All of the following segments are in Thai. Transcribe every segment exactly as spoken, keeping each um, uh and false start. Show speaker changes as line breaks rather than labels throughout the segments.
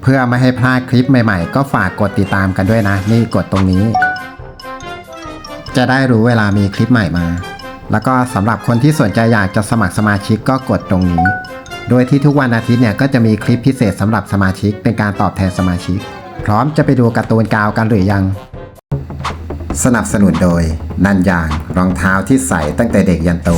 เพื่อไม่ให้พลาดคลิปใหม่ๆก็ฝากกดติดตามกันด้วยนะนี่กดตรงนี้จะได้รู้เวลามีคลิปใหม่มาแล้วก็สำหรับคนที่สนใจอยากจะสมัครสมาชิกก็กดตรงนี้โดยที่ทุกวันอาทิตย์เนี่ยก็จะมีคลิปพิเศษสำหรับสมาชิกเป็นการตอบแทนสมาชิกพร้อมจะไปดูการ์ตูนกาวกันหรือยังสนับสนุนโดยนันยางรองเท้าที่ใส่ตั้งแต่เด็กยันโต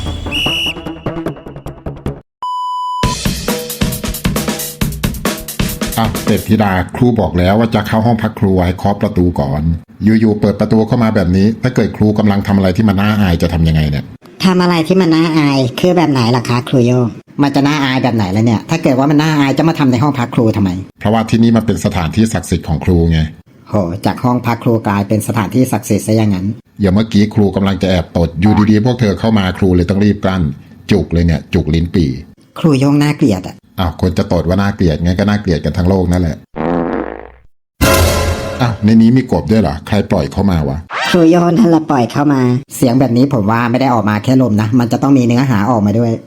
อ่ะเป็ดธิดาครูบอกแล้วว่าจะเข้าห้องพักครูให้เคาะประตูก่อนอยู่ๆเปิดประตูเข้ามาแบบนี้ถ้าเกิดครูกำลังทำอะไรที่มันน่าอายจะทำยังไงเนี่ย
ทำอะไรที่มันน่าอายคือแบบไหนล่ะคะครูโยงมันจะน่าอายแบบไหนแล้วเนี่ยถ้าเกิดว่ามันน่าอายจะมาทำในห้องพักครูทำไม
เพราะว่าที่นี่มันเป็นสถานที่ศักดิ์สิทธิ์ของครูไง
โหจากห้องพักครูกลายเป็นสถานที่ศักดิ์สิทธิ์ซะอย่างนั้น
อย่าเมื่อกี้ครูกำลังจะแอบตดอยู่ดีๆพวกเธอเข้ามาครูเลยต้องรีบกลั้นจุกเลยเนี่ยจุกลิ้นปี่
ครูโยงน่าเกลียดอ่ะ
อ้าวคนจะตดว่าน่าเกลียดงั้นก็น่าเกลียดกันทั้งโลกนั่นแหละอ้าวในนี้มีกบด้วยเหรอใครปล่อยเข้ามาวะ
ครูโยนนั่นแหละปล่อยเข้ามาเสียงแบบนี้ผมว่าไม่ได้ออกมาแค่ลมนะมันจะต้องมีเนื้อหาออกมาด้วย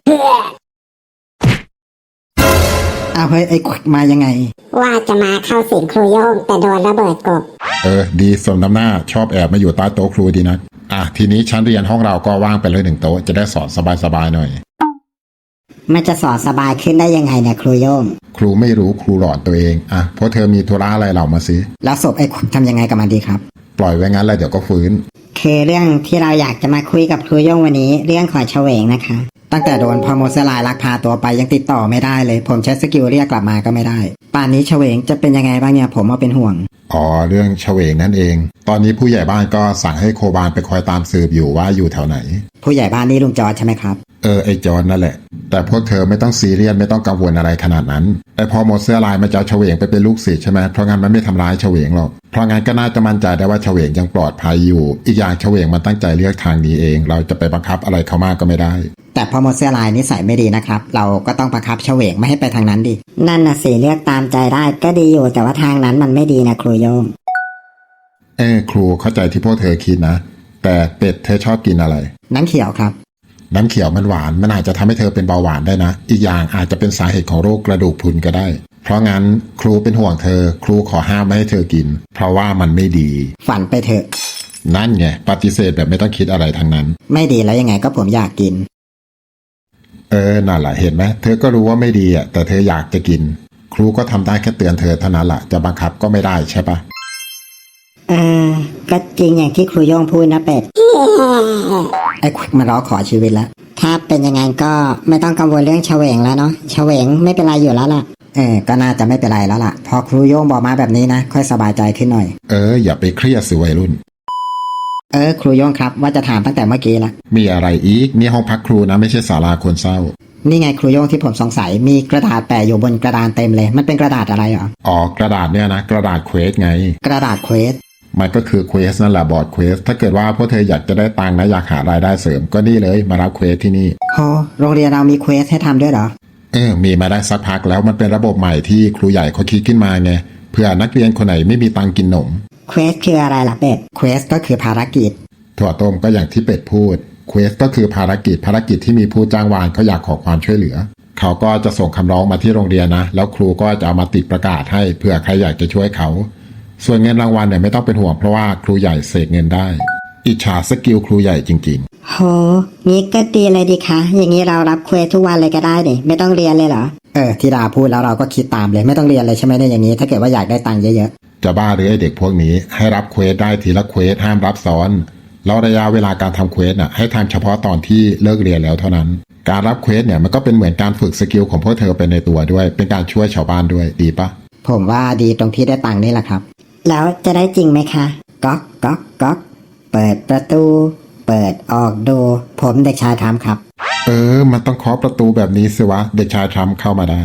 อ้าวเฮ้ยไอ้มายังไง
ว่าจะมาเข้าสิงครูโยงแต่โดนระเบิดกบ
เออดีสมน้ำหน้าชอบแอบมาอยู่ใต้โต๊ะครูดีนะอ่ะทีนี้ชั้นเรียนห้องเราก็ว่างไปเลยหนึ่งโต๊ะจะได้สอนสบายๆหน่อย
มันจะสอนสบายขึ้นได้ยังไงเนี่ยครูโยง
ครูไม่รู้ครูหลอนตัวเองอ่ะเพราะเธอมีธุระอะไรเรามาสิ
แล้วศพไอ้ทำยังไงกับมันดีครับ
ปล่อยไว้งั้นแล้วเดี๋ยวก็ฟื้น
คือเรื่องที่เราอยากจะมาคุยกับครูโยงวันนี้เรื่องของเฉวงนะคะตั้งแต่โดนพอโมเสลายลักพาตัวไปยังติดต่อไม่ได้เลยผมใช้สกิลเรียกกลับมาก็ไม่ได้ป่านนี้เฉวงจะเป็นยังไงบ้างเนี่ยผมว่าเป็นห่วง
อ๋อเรื่องเฉวงนั่นเองตอนนี้ผู้ใหญ่บ้านก็สั่งให้โคบานไปคอยตามสืบอยู่ว่าอยู่แถวไหน
ผู้ใหญ่บ้านนี่ลุงจอร์จใช่ไหมครับ
เออไอจอนนั่นแหละแต่พวกเธอไม่ต้องซีเรียสไม่ต้องกังวลอะไรขนาดนั้นไอพอโมเสลายมันจะเฉวงไปเป็นลูกศิษย์ใช่ไหมเพราะงั้นมันไม่ทำร้ายเฉวงหรอกเพราะงั้นก็น่าจะมั่นใจได้ว่าเฉวงยังปลอดภัยอยู่อีกอย่างเฉวงมันตั้งใจเลือกทางนี้เองเราจะไปบังคับอะไรเขามากก็ไม่ได้
แต่พอโมเสลายนิสัยไม่ดีนะครับเราก็ต้องบังคับเฉวงไม่ให้ไปทางนั้นดินั่นน่ะสิเลือกตามใจได้ก็ดีอยู่แต่ว่าทางนั้นมันไม่ดีนะครูโยม
เออครูเข้าใจที่พวกเธอคิดนะแต่เป็ดเธอชอบกินอะไร
น้ำเขียวครับ
น้ำเขียวมันหวานมันอาจจะทำให้เธอเป็นเบาหวานได้นะอีกอย่างอาจจะเป็นสาเหตุของโรคกระดูกพรุนก็ได้เพราะงั้นครูเป็นห่วงเธอครูขอห้ามไม่ให้เธอกินเพราะว่ามันไม่ดี
ฝันไปเถอะ
นั่นไงปฏิเสธแบบไม่ต้องคิดอะไรทั้งนั้น
ไม่ดีแล้วยังไงก็ผมอยากกิน
เออนั่นแหละเห็นไหมเธอก็รู้ว่าไม่ดีอ่ะแต่เธออยากจะกินครูก็ทำได้แค่เตือนเธอเท่านั้นแหละจะบังคับก็ไม่ได้ใช่ปะ
เออก็จริงอย่างที่ครูโย่งพูดนะเป็ดไอ้ควิกมาร้องขอชีวิตแล้วถ้าเป็นยังไงก็ไม่ต้องกังวลเรื่องเฉวงแล้วเนาะเฉวงไม่เป็นไรอยู่แล้วล่ะเออก็น่าจะไม่เป็นไรแล้วล่ะพอครูโย่งบอกมาแบบนี้นะค่อยสบายใจขึ้นหน่อย
เอออย่าไปเครียดสิวัยรุ่น
เออครูโย่งครับว่าจะถามตั้งแต่เมื่อกี้ละ
มีอะไรอีกนี่ห้องพักครูนะไม่ใช่ศาลาคนเศร้า
นี่ไงครูโย่งที่ผมสงสัยมีกระดาษแปะอยู่บนกระดานเต็มเลยมันเป็นกระดาษอะไรหรอ
อ๋อกระดาษเนี่ยนะกระดาษเควสไง
กระดาษเควส
มันก็คือเควสนั่นแหละบอร์ดเควสถ้าเกิดว่าพวกเธออยากจะได้ตังค์นะอยากหารายได้เสริมก็นี่เลยมารับเควสที่นี่
โหโรงเรียนเรามีเควสให้ทำด้วยเหรอ
เออมีมาได้สักพักแล้วมันเป็นระบบใหม่ที่ครูใหญ่เขาคิดขึ้นมาไงเพื่อนักเรียนคนไหนไม่มีตังค์กินหนม
เควสคืออะไรล่ะเป็ดเควสก็คือภารกิจ
ถั่วต้มก็อย่างที่เป็ดพูดเควสก็คือภารกิจภารกิจที่มีผู้จ้างวานเขาอยากขอความช่วยเหลือเขาก็จะส่งคำร้องมาที่โรงเรียนนะแล้วครูก็จะเอามาติดประกาศให้เพื่อใครอยากจะช่วยเขาส่วนเงินรางวัลเนี่ยไม่ต้องเป็นห่วงเพราะว่าครูใหญ่เสกเงินได้อิจฉาสกิลครูใหญ่จริง
ๆโหงี้ก็ดีเลยดิคะอย่างนี้เรารับเควสทุกวันเลยก็ได้ดิไม่ต้องเรียนเลยเหรอเออที่ดาพูดแล้วเราก็คิดตามเลยไม่ต้องเรียนเลยใช่ไหมเนี่ยอย่างนี้ถ้าเกิดว่าอยากได้ตังค์เยอะ
ๆจะบ้าหรือไอเด็กพวกนี้ให้รับเควสได้ทีละเควสห้ามรับซ้อนแล้วระยะเวลาการทำเควสน่ะให้ทำเฉพาะตอนที่เลิกเรียนแล้วเท่านั้นการรับเควสเนี่ยมันก็เป็นเหมือนการฝึกสกิลของพวกเธอไปในตัวด้วยเป็นการช่วยชาวบ้านด้วยดีปะ
ผมว่าดีตรงที่ได้ตังค์นี่แหละครับแล้วจะได้จริงไหมคะก๊อกก๊อกก๊อกเปิดประตูเปิดออกดูผมเด็กชายทำครับ
เออมันต้องเคาะประตูแบบนี้สิวะเด็กชายทำเข้ามาได้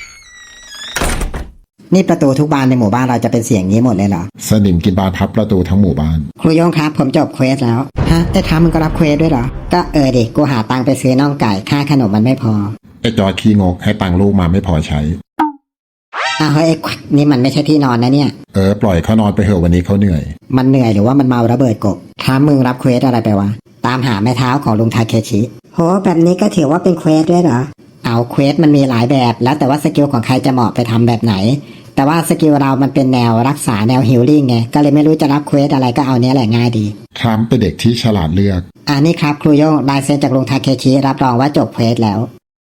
นี่ประตูทุกบานในหมู่บ้านเราจะเป็นเสียงนี้หมดเลยเหรอ
สนิมกินบานพับประตูทั้งหมู่บ้าน
ครูโยงครับผมจบเควสแล้วฮะแต่ทำมันก็รับเควสด้วยเหรอก็เออดิกูหาตังค์ไปซื้อน่องไก่ค่าขนมมันไม่พอ
ไอ้จอขี้งกให้ตังค์ลูกมาไม่พอใช้
อ้าวเฮ้ยนี่มันไม่ใช่ที่นอนนะเนี่ย
เออปล่อยเขานอนไปเถอะวันนี้เขาเหนื่อย
มันเหนื่อยหรือว่ามันเมาระเบิดกบถามมึงรับเควสอะไรไปวะตามหาแม่เท้าของลุงทาเคชิโหแบบนี้ก็ถือว่าเป็นเควสด้วยเหรอเอาเควสมันมีหลายแบบแล้วแต่ว่าสกิลของใครจะเหมาะไปทำแบบไหนแต่ว่าสกิลเรามันเป็นแนวรักษาแนวฮิลลิ่งไงก็เลยไม่รู้จะรับเควสอะไรก็เอาเนี้ยแหละง่ายดี
ทรัมป์เป็นเด็กที่ฉลาดเลือก
อ่านี่ครับครูโย่งลายเซ็นจากลุงทาเคชิรับรองว่าจบเควสแล้ว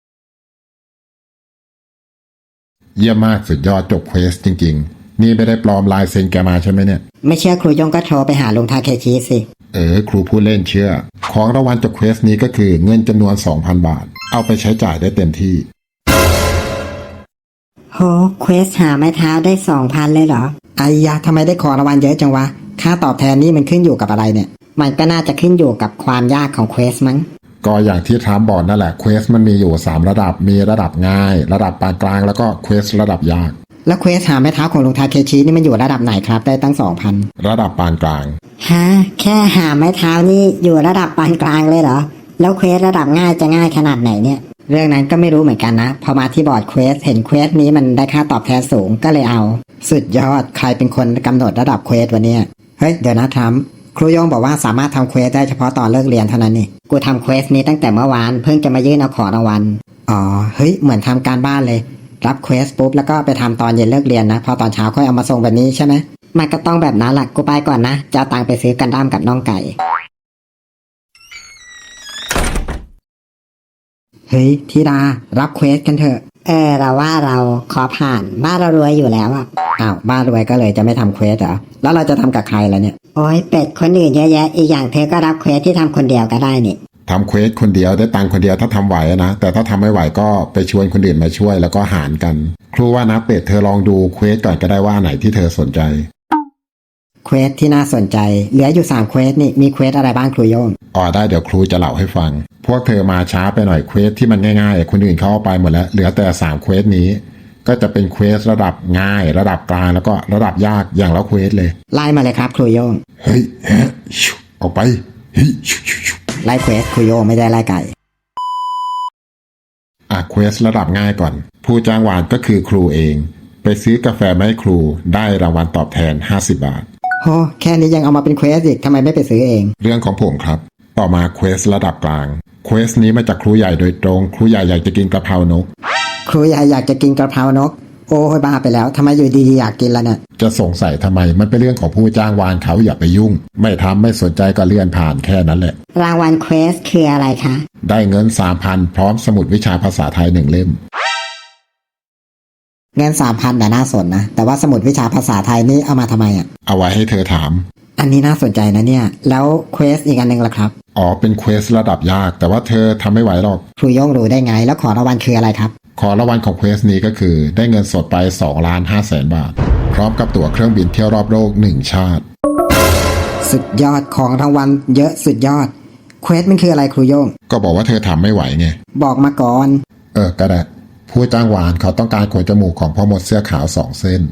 เยี่ยมมากสุดยอดจบเควสจริงๆนี่ไม่ได้ปลอมลายเซ็นแกมาใช่ไหมเนี่ย
ไม่เชื่อครูโย่งก็โทรไปหาลุงทาเคชิสิ
เออครูพูดเล่นเชื่อของรางวัลจบเควสนี้ก็คือเงินจำนวน สองพัน บาทเอาไปใช้จ่ายได้เต็มที่
โหเควสหาไม้เท้าได้สองพันเลยเหรอไอ้ยะทำไมได้ของรางวัลเยอะจังวะค่าตอบแทนนี่มันขึ้นอยู่กับอะไรเนี่ยมันก็น่าจะขึ้นอยู่กับความยากของเควสมั้ง
ก็อย่างที่ทรัมป์บอกนั่นแหละเควสมันมีอยู่สามระดับมีระดับง่าย ระดับปานกลางแล้วก็เควสระดับยาก
แล้วเควสหาไม้เท้าของลุงทาเคชินี่มันอยู่ระดับไหนครับได้ตั้งสองพัน
ระดับปานกลาง
ฮะแค่หาไม้เท้านี่อยู่ระดับปานกลางเลยเหรอแล้วเควสระดับง่ายจะง่ายขนาดไหนเนี่ยเรื่องนั้นก็ไม่รู้เหมือนกันนะพอมาที่บอร์ดเควสเห็นเควสนี้มันได้ค่าตอบแทนสูงก็เลยเอาสุดยอดใครเป็นคนกำหนดระดับเควสวะเนี่ยเฮ้ยเดี๋ยวนะทรัมป์ครูโยงบอกว่าสามารถทำเควสได้เฉพาะตอนเลิกเรียนเท่านั้นนี่กูทำเควสนี้ตั้งแต่เมื่อวานเพิ่งจะมายื่นเอาของรางวัลอ๋อเฮ้ยเหมือนทำการบ้านเลยรับเควสปุ๊บแล้วก็ไปทำตอนเย็นเลิกเรียนนะพอตอนเช้าค่อยเอามาส่งแบบนี้ใช่ไหมมันก็ต้องแบบนั้นแหละกูไปก่อนนะจะเอาตังค์ไปซื้อกันด้ามกับน้องไก่เฮ้ยธิดารับเควสกันเถอะเออเราว่าเราขอผ่านบ้านเรารวยอยู่แล้วอ่ะอ้าวบ้านรวยก็เลยจะไม่ทำเควสเหรอแล้วเราจะทำกับใครล่ะเนี่ยโอ้ยเป็ดคนอื่นเยอะแยะอีกอย่างเธอก็รับเควสที่ทำคนเดียวก็ได้นี่
ทำเควสคนเดียวได้ตังค์คนเดียวถ้าทำไหวนะแต่ถ้าทำไม่ไหวก็ไปชวนคนอื่นมาช่วยแล้วก็หารกันครูว่านะเป็ดเธอลองดูเควสก่อนก็ได้ว่าไหนที่เธอสนใจ
เควสที่น่าสนใจเหลืออยู่สามเควสนี่มีเควสอะไรบ้างครูโยง
อ๋อได้เดี๋ยวครูจะเล่าให้ฟังพวกเธอมาช้าไปหน่อยเควสที่มันง่ายๆคนอื่นเขาเอาไปหมดแล้วเหลือแต่สามเควสนี้ก็จะเป็นเควสระดับง่ายระดับกลางแล้วก็ระดับยากอย่างละเควสเลย
ไล่มาเลยครับครูโยง
เฮ้ยฮะชุออกไปเฮ้ยชุชุชุ
ไล่เควสครูโยงไม่ได้ไล่ไก่
อ่ะเควสระดับง่ายก่อนผู้จ้างวานก็คือครูเองไปซื้อกาแฟมาให้ครูได้รางวัลตอบแทนห้าสิบบาท
โหแค่นี้ยังเอามาเป็นเควสอีกทำไมไม่ไปซื้อเอง
เรื่องของผมครับต่อมาเควสระดับกลางเควสนี้มาจากครูใหญ่โดยตรงครูใหญ่อยากจะกินกะเพรานก
ครูใหญ่อยากจะกินกะเพรานกโอ้ยบ้าไปแล้วทำไมอยู่ดีๆอยากกินแล้วเนี่ย
จะสงสัยทำไมมันเป็นเรื่องของผู้จ้างวานเขาอย่าไปยุ่งไม่ทำไม่สนใจก็เลื่อนผ่านแค่นั้นแหละ
รางวัลเควสคืออะไรคะ
ได้เงิน สามพัน พร้อมสมุดวิชาภาษาไทยหนึ่งเล่ม
เงิน สามพัน แต่น่าสนนะแต่ว่าสมุดวิชาภาษาไทยนี่เอามาทำไมอ่ะ
เอาไว้ให้เธอถาม
อันนี้น่าสนใจนะเนี่ยแล้วเควสอีกอันนึงล่ะครับ
อ๋อเป็นเควสระดับยากแต่ว่าเธอทำไม่ไหวหรอก
ครูโย่งรู้ได้ไงแล้วขอรางวัลคืออะไรครับ
ขอรางวัลของเควสนี้ก็คือได้เงินสดไปสองล้านห้าแสนบาทพร้อมกับตั๋วเครื่องบินเที่ยวรอบโลกหนึ่งชาติ
สุดยอดของรางวัลเยอะสุดยอดเควสมันคืออะไรครูโย่ง
ก็บอกว่าเธอทำไม่ไหวไง
บอกมาก่อน
เออก็ได้ผู้จ้างวานเขาต้องการขนจมูกของพ่อมดเสื้อขาวสองเส้น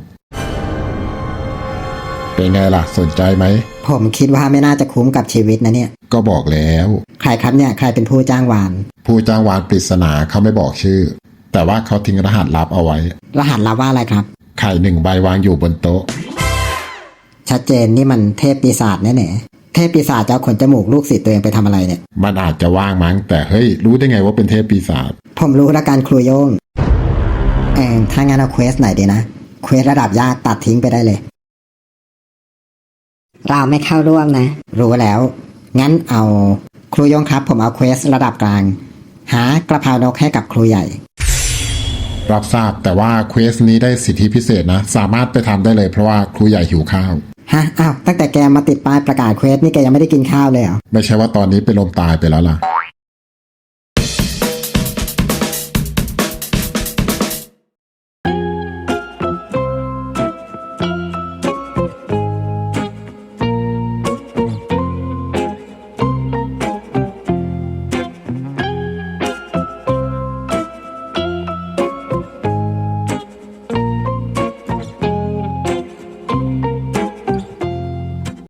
เป็นไงล่ะสนใจไหม
ผมคิดว่าไม่น่าจะคุ้มกับชีวิตนะเนี่ย
ก็บอกแล้ว
ใครครับเนี่ยใครเป็นผู้จ้างวาน
ผู้จ้างวานปริศนาเขาไม่บอกชื่อแต่ว่าเขาทิ้งรหัสลับเอาไว้
รหัสลับว่าอะไรครับ
ไข่หนึ่งใบวางอยู่บนโต๊ะ
ชัดเจนนี่มันเทพปีศาจแน่ๆเทพปีศาจจะเอาขนจมูกลูกศิษย์ตัวเองไปทำอะไรเนี่ย
มันอาจจะว่างมั้งแต่เฮ้ยรู้ได้ไงว่าเป็นเทพปีศาจ
ผมรู้ละกันครูโยงเออถ้างั้นเอาเควสไหนดีนะเควสระดับยากตัดทิ้งไปได้เลยเราไม่เข้าร่วมนะรู้แล้วงั้นเอาครูโยงครับผมเอาเควสระดับกลางหากระเพรานกให้กับครูใหญ่
รับทราบแต่ว่าเควสนี้ได้สิทธิพิเศษนะสามารถไปทำได้เลยเพราะว่าครูใหญ่หิวข้าว
ฮะอ้าวตั้งแต่แกมาติดป้ายประกาศเควสนี่แกยังไม่ได้กินข้าวเลยเหรอ
ไม่ใช่ว่าตอนนี้เป็นลมตายไปแล้วล่ะ